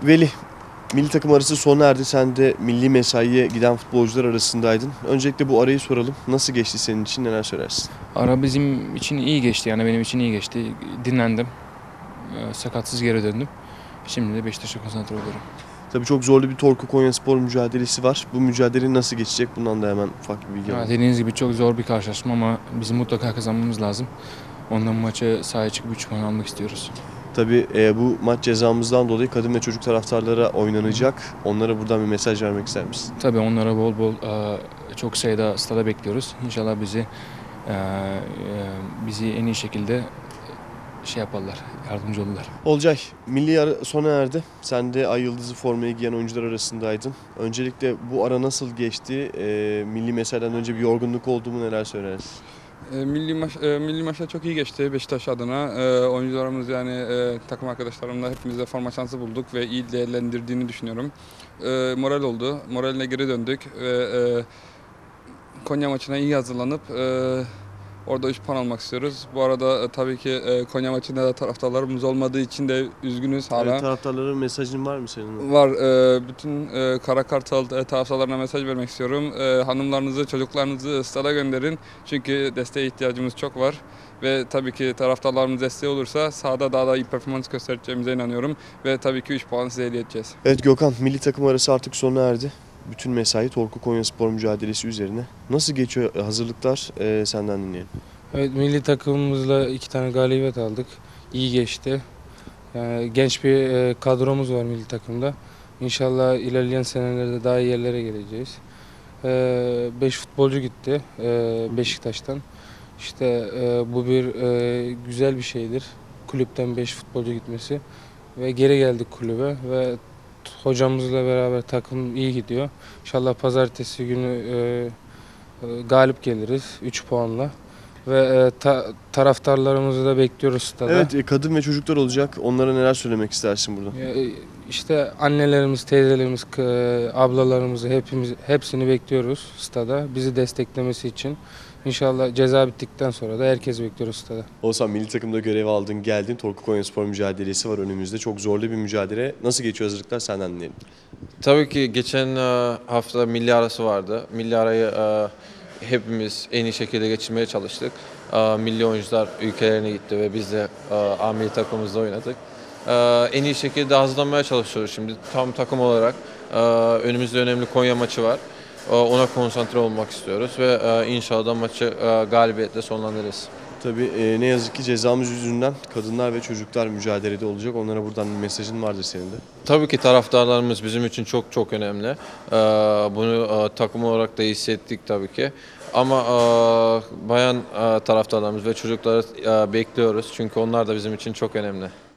Veli, milli takım arası sona erdi. Sen de milli mesaiye giden futbolcular arasındaydın. Öncelikle bu arayı soralım. Nasıl geçti senin için, neler söylersin? Ara bizim için iyi geçti, yani benim için iyi geçti. Dinlendim, sakatsız geri döndüm. Şimdi de Beşiktaş'a konsantre oluyorum. Tabii çok zorlu bir Torku Konyaspor mücadelesi var. Bu mücadele nasıl geçecek? Bundan da hemen ufak bir bilgi alalım. Dediğiniz gibi çok zor bir karşılaşma ama bizim mutlaka kazanmamız lazım. Ondan maçı sahaya çıkıp 3 puan almak istiyoruz. Tabii bu maç cezamızdan dolayı kadın ve çocuk taraftarlara oynanacak. Onlara buradan bir mesaj vermek ister misin? Tabii onlara bol bol çok sayıda stada bekliyoruz. İnşallah bizi en iyi şekilde yaparlar, yardımcı olurlar. Olcay, milli ara sona erdi. Sen de Ay Yıldızı formayı giyen oyuncular arasındaydın. Öncelikle bu ara nasıl geçti? Milli mesaiden önce bir yorgunluk oldu mu, neler söylersin? Milli maçlar çok iyi geçti Beşiktaş adına. Oyuncularımız takım arkadaşlarımla hepimiz de forma şansı bulduk ve iyi değerlendirdiğini düşünüyorum. Moral oldu. Moraline geri döndük ve Konya maçına iyi hazırlanıp orada 3 puan almak istiyoruz. Bu arada tabii ki Konya maçında da taraftarlarımız olmadığı için de üzgünüz hala. Evet, taraftarlara mesajın var mı senin? Var. Bütün Kara Kartal taraftarlarına mesaj vermek istiyorum. Hanımlarınızı, çocuklarınızı stada gönderin. Çünkü desteğe ihtiyacımız çok var. Ve tabii ki taraftarlarımız desteği olursa sahada daha da iyi performans göstereceğimize inanıyorum. Ve tabii ki 3 puan size hediye edeceğiz. Evet Gökhan, milli takım arası artık sona erdi. Bütün mesai Torku Konyaspor mücadelesi üzerine. Nasıl geçiyor hazırlıklar? Senden dinleyelim. Evet, milli takımımızla 2 tane galibiyet aldık. İyi geçti. Yani genç bir kadromuz var milli takımda. İnşallah ilerleyen senelerde daha iyi yerlere geleceğiz. 5 futbolcu gitti Beşiktaş'tan. İşte bu güzel bir şeydir. Kulüpten 5 futbolcu gitmesi. Ve geri geldik kulübe ve hocamızla beraber takım iyi gidiyor. İnşallah pazartesi günü galip geliriz 3 puanla. Ve taraftarlarımızı da bekliyoruz stada. Evet, kadın ve çocuklar olacak. Onlara neler söylemek istersin burada? İşte annelerimiz, teyzelerimiz, ablalarımızı hepsini bekliyoruz stada. Bizi desteklemesi için. İnşallah ceza bittikten sonra da herkes bekliyoruz stada. Oğuzhan, milli takımda görev aldın, geldin. Torku Konyaspor mücadelesi var önümüzde. Çok zorlu bir mücadele. Nasıl geçiyor hazırlıklar? Senden dinleyelim. Tabii ki geçen hafta milli arası vardı. Milli arayı hepimiz en iyi şekilde geçirmeye çalıştık. Milli oyuncular ülkelerine gitti ve biz de milli takımımızda oynadık. En iyi şekilde hazırlanmaya çalışıyoruz şimdi. Tam takım olarak önümüzde önemli Konya maçı var. Ona konsantre olmak istiyoruz ve inşallah maçı galibiyetle sonlandırırız. Tabii ne yazık ki cezamız yüzünden kadınlar ve çocuklar mücadelede olacak. Onlara buradan bir mesajın vardır senin de. Tabii ki taraftarlarımız bizim için çok çok önemli. Bunu takım olarak da hissettik tabii ki. Ama bayan taraftarlarımız ve çocukları bekliyoruz çünkü onlar da bizim için çok önemli.